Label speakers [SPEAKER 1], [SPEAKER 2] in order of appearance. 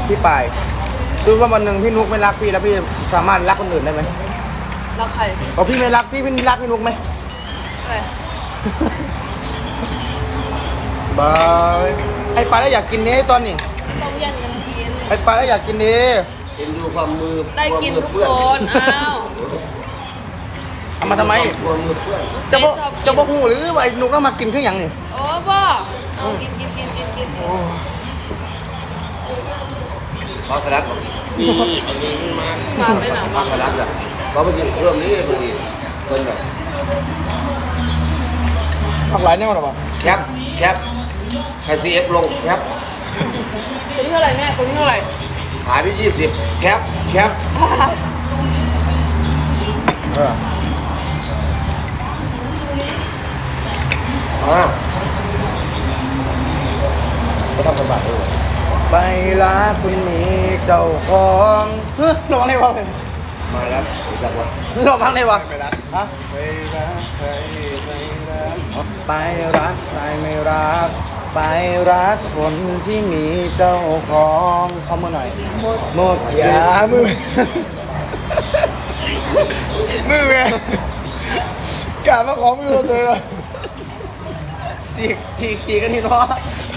[SPEAKER 1] พี่ปายคือว่าวันหนึ่งพี่นุกไม่รักพี่แล้วพี่สามารถรักคนอื่นได้ไหม
[SPEAKER 2] รักใคร
[SPEAKER 1] พอพี่ไม่รักพี่รักพี่นุกไหม
[SPEAKER 2] ใคร
[SPEAKER 1] บายไอ้ปลาแล้วอยากกินเนี้ตอนนี้
[SPEAKER 2] ต้องแย่งกันกิน
[SPEAKER 1] ไอ้ปลาแล้วอยากกินเนี้
[SPEAKER 3] เห็นดูความมือ
[SPEAKER 2] ได้กินทุก
[SPEAKER 3] เพื่อน
[SPEAKER 2] คนอ้าว
[SPEAKER 1] เอามาทำไม
[SPEAKER 3] ความมือเพื่อน
[SPEAKER 1] จะบอก
[SPEAKER 2] ชอบกิน
[SPEAKER 1] จะบอกหูหรือว่าไอ้นุกต้องมากินเครื่องอย่างนี่
[SPEAKER 2] โอ้พ่อเอากิน
[SPEAKER 3] มาสลัดนี่บางทีมัน
[SPEAKER 2] มาไปไหน
[SPEAKER 3] มา
[SPEAKER 2] มา
[SPEAKER 3] สลัดอ่ะเพราะบางทีเพิ่มนี้บางทีเป็นแบบ
[SPEAKER 1] ผักหลายเนี่ยมันหรอเปล่า
[SPEAKER 3] แคปใครซีเอฟลงแคป
[SPEAKER 2] ตัวที่เท่าไหร่แม่ตัวที่เท่าไหร่
[SPEAKER 3] ขายที่20แคป ก็ทำสบายเลย
[SPEAKER 1] ไปรักคุณมีเจ้าของเฮ้ยร้องได้ปะ
[SPEAKER 3] มาแล้วจักวะ
[SPEAKER 1] ร้องฟังได้ปะ
[SPEAKER 3] ไม่รัก
[SPEAKER 1] ฮะ
[SPEAKER 3] ไม่รักใครไม่รัก
[SPEAKER 1] ไปรักใครไม่รัก ไปรักคนที่มีเจ้าของเข้ามาหน่อยหมดเสียมือไงกลับมาของมือเราเลยฉีกตีกันทีเนาะ